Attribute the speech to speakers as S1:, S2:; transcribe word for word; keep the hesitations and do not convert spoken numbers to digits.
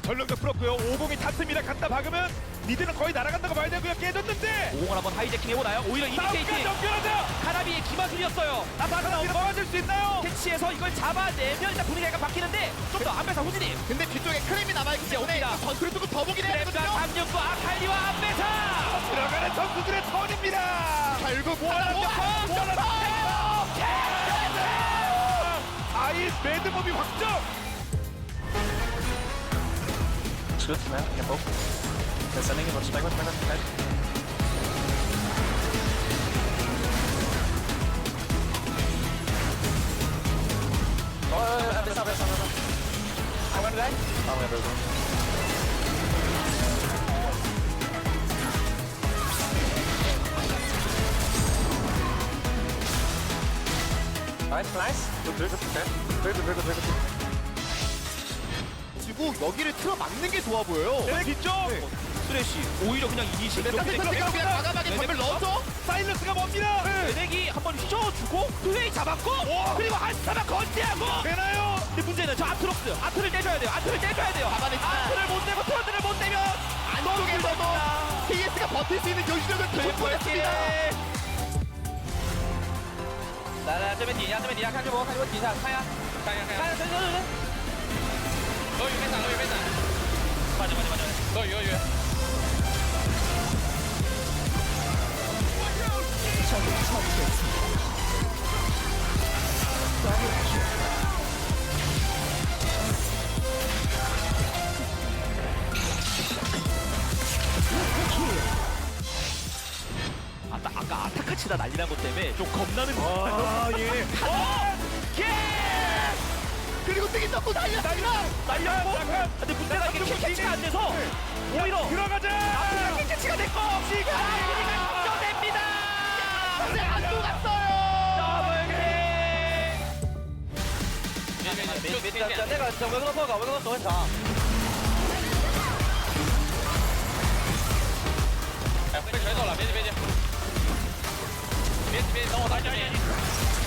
S1: 전력도 풀었고요. 오공이 탔습니다. 갖다 박으면 미드는 거의 날아간다고 봐야 되고요. 깨졌는데
S2: 오공을 한번 하이제킹 해보나요? 오히려
S1: 싸움까지
S2: 이니케이팅
S1: 연결하자.
S2: 카나비의 기마술이었어요.
S1: 나바가 넘어질 수 있나요?
S2: 캐치해서 이걸 잡아내면 일단 분위기가 약간 바뀌는데 좀 더 안배사 후진이
S3: 근데 뒤쪽에 크림이 남아있기 때문에
S2: 옵니다.
S3: 전투를 두고 더 보긴 해야
S2: 랩과
S3: 되거든요.
S2: 삼육구 아칼리와 안배사
S1: 들어가는 선수들의 턴입니다.
S3: 결국
S1: 원하는
S3: 하나
S1: 격파! 원하는 격파! 아이 매드몹이 확정!
S4: Good, man. You can poke. They're sending it. Watch back, watch back, watch back. Oh, uh, this up, this up, this up. I went back. Oh, yeah, there's one. Nice, nice. Good, very good, okay. Very good, very good, very good.
S3: 지고 여기를 틀어 막는 게 좋아 보여요.
S1: 네, 뒤쪽!
S2: 수레쉬 오히려 그냥 이니시
S3: 네, 따뜻한 그냥 과감하게 전멸 넣어서
S1: 사일러스가 뭡니다!
S2: 레넥이 한번 휘저어주고 플레이 잡았고
S1: 와.
S2: 그리고 한타만 건재하고
S1: 되나요?
S2: 근데 문제는 저 아트록스 아트를 떼줘야 돼요 아트를 떼줘야 돼요
S3: 잡아냈지만
S2: 아트를 못 내고 트런드를 못 내면
S3: 안쪽에서도 케이에스가 버틸 수 있는 경시력을 보여줬습니다.
S2: 来来，这边底下，这边底下看这波，看这波底下，看呀，看呀看呀，看等等等等，俄语别闪，俄语别闪，慢点慢点慢点，俄语俄语。 아까 아까 아타카치다 난리난 것 때문에 좀 겁나는 거.
S1: 아, 예.
S2: 예!
S3: 그리고 뜨기 넣고 날렸습니다.
S2: 날렸고. 근데 문제가 이게 킬 캐치가 안 돼서 오히려
S1: 들어가자!
S2: 아프리카 킬 캐치가 됐고 시간이 걱정됩니다.
S3: 근데 안 녹았어요.
S2: 더블 킬. 내가 진짜 왜 그런 거가 왜 그런 거 자. 哎，被锤走了，别急别急，别急别急，等我打你。